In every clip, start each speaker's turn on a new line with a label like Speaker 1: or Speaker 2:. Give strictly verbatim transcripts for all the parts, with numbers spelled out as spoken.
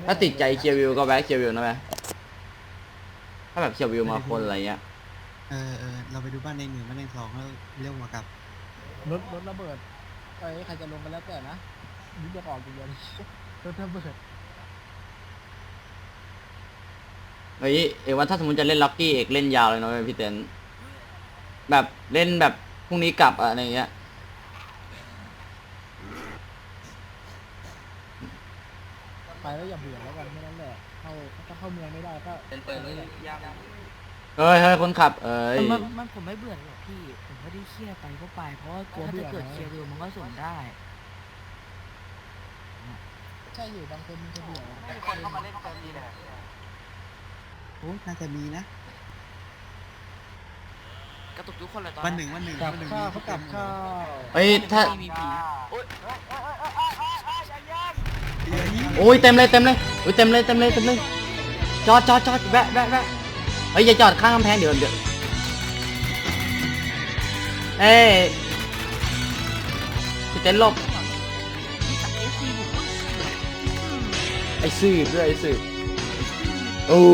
Speaker 1: ถ้าติดใจเคียววิวก็แวะเคียววิวนะแม่ถ้าแบบเคียววิวมาคนอะไรเงี้ย
Speaker 2: เออเออเราไปดูบ้านในหนึ่งบ้านในสองแล้วเรียกมากับ
Speaker 3: รถรถระเบิดไอ้ใครจะลงกันแล้วแต่นะยึดจะออกอย่างเดียวรถระเบิด
Speaker 1: เฮ้ยเอกว่าถ้าสมมติจะเล่นล็อกกี้เอกเล่นยาวเลยนะเว้ยพี่เต้นแบบเล่นแบบพรุ่งนี้กลับอะไรเงี้ย
Speaker 3: ไปแล้วอย่าเบื่อแล้วกันไม่นั้นแหละเข้าถ้าเข้าเมืองไม่ได้ก็เป็นเปิดเลยยาก
Speaker 1: เฮ้ยเฮ้ยคนขับเอ้ย
Speaker 4: มันมันผมไม่เบื่อหรอกพี่ผมไม่ได้เครียดไปก็ไปเพราะว่าถ้าจะเกิดเคลียร์ดูมันก็ส่งได้
Speaker 3: ใช่อยู่บางคนมันจะเบื่อ
Speaker 5: คนเข้ามาเล่นเติมดีเลย
Speaker 2: โอ้น่าจะมีนะ
Speaker 4: กระตุกทุกคนเลยตอน
Speaker 2: วันหนึ่งวันหนึ่ง
Speaker 3: กลับ
Speaker 2: วันหนึ่ง
Speaker 3: ข้าวเขากลับข้าว
Speaker 1: เฮ้ยถ้า
Speaker 4: มีผี
Speaker 5: โอ้ยเอ้ยเอ้ยเอ้ยเอ้ยเอ้ยเอ้ยอย่าแย่ง
Speaker 1: โอ้ยเต็มเลยเต็มเลยโอ้ยเต็มเลยเต็มเลยเต็มเลยจอดจอดจอดแวะแวะแวะเฮ้ยอย่าจอดข้างกำแพงเดี๋ยวเดี๋ยวเอ้ยพี่เต้นหลบไอ้ซื่อด้วยไอ้ซื่อโอ้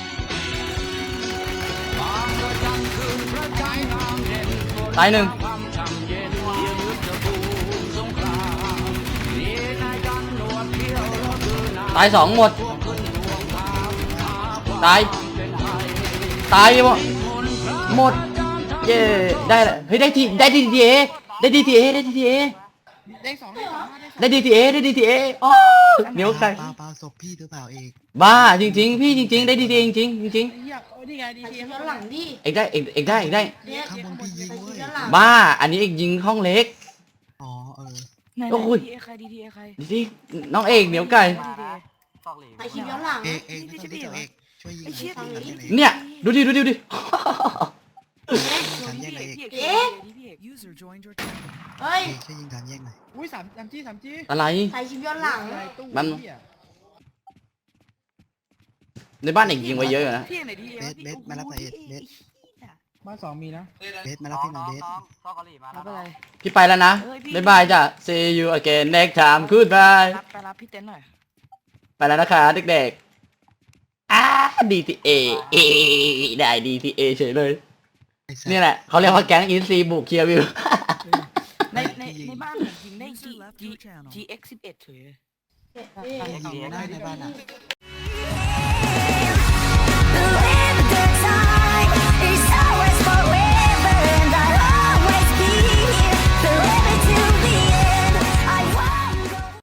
Speaker 1: ตายหนึ่งตายสองหมดตายตายหมดหมดเย้ได้ละเฮ้ยได้ทีได้ดีทีเอได้ดีทีเอได้ดีทีเอ
Speaker 3: ได้สองได้สองได้สอง
Speaker 1: ได้ดีทีเอได้ดีทีเออ๋อเหนียวไก่
Speaker 2: เปล่าเปล่าศพพี่หรือเปล่าเอก
Speaker 1: บ้าจริงๆพี่จริงๆได้ดีทีจริงๆจริง
Speaker 3: เฮียโอ้ยนี่ไงดีที
Speaker 6: ย้อนหลังดิ
Speaker 1: ๆเอกได้เอกเอกได้เอกได้
Speaker 6: เนี่ย
Speaker 2: ข้างบนพี่ยิงเว้ย
Speaker 6: ย้อนหลัง
Speaker 1: บ้าอันนี้เอกยิงห้องเล็ก
Speaker 2: อ๋อเออ
Speaker 4: ไหน
Speaker 1: โอ้ย
Speaker 4: ดีเอใครดีเอใคร
Speaker 1: ดีที่น้องเอกเหนียวไก่
Speaker 5: ซอกหลี
Speaker 6: ไปคลิปย้อนหลัง
Speaker 2: เอกเอกไม่ต้องรีบเอกช่วยยิงหน่อยช่วยยิงหน่อย
Speaker 1: เนี่ยดูดิดูดิดูดิ
Speaker 2: ฉันแยกหน่อยเอก
Speaker 4: เอ๊ะพี่เอก
Speaker 6: เฮ้ย
Speaker 2: เอกช่วยยิงฉันแยกหน่อย
Speaker 3: อุ้ยสามสามจี้สามจี้
Speaker 1: อะไร
Speaker 6: ไปคลิปย้อนหลัง
Speaker 3: อะไรตู้
Speaker 1: มัน
Speaker 3: เหี้ย
Speaker 1: ในบ้านเอกยิงไว้เยอะอยู่นะ
Speaker 4: พี่ไหนดีเอ
Speaker 2: เบสเบสมารับหน่อยเอกเบส
Speaker 3: บ้านสองมีนะ
Speaker 2: เบสมารับพี่หน่อยเบส
Speaker 5: น้องซอกหลีมา
Speaker 4: รั
Speaker 5: แล้
Speaker 4: บ
Speaker 5: ว
Speaker 4: อะไร
Speaker 1: พี่ไปแล้วนะบ๊ายบายจ้ะ see you again next time goodbye
Speaker 4: รับไปรับพี่เต้นหน่อย
Speaker 1: ไปแล้วนะคะเด็กๆอ่า ดี ที เอ เอได้ ดี ที เอ เฉยเลย
Speaker 2: ไอ้สัส
Speaker 1: นี่แหละเขาเรียกว่าแก๊งอินซีบุกเคลียร์วิว
Speaker 4: ในในในบ้านผมยิงได้ G G G X สิบเอ็ดเฉย
Speaker 2: พี่ยิงได้ในบ้านอ่ะ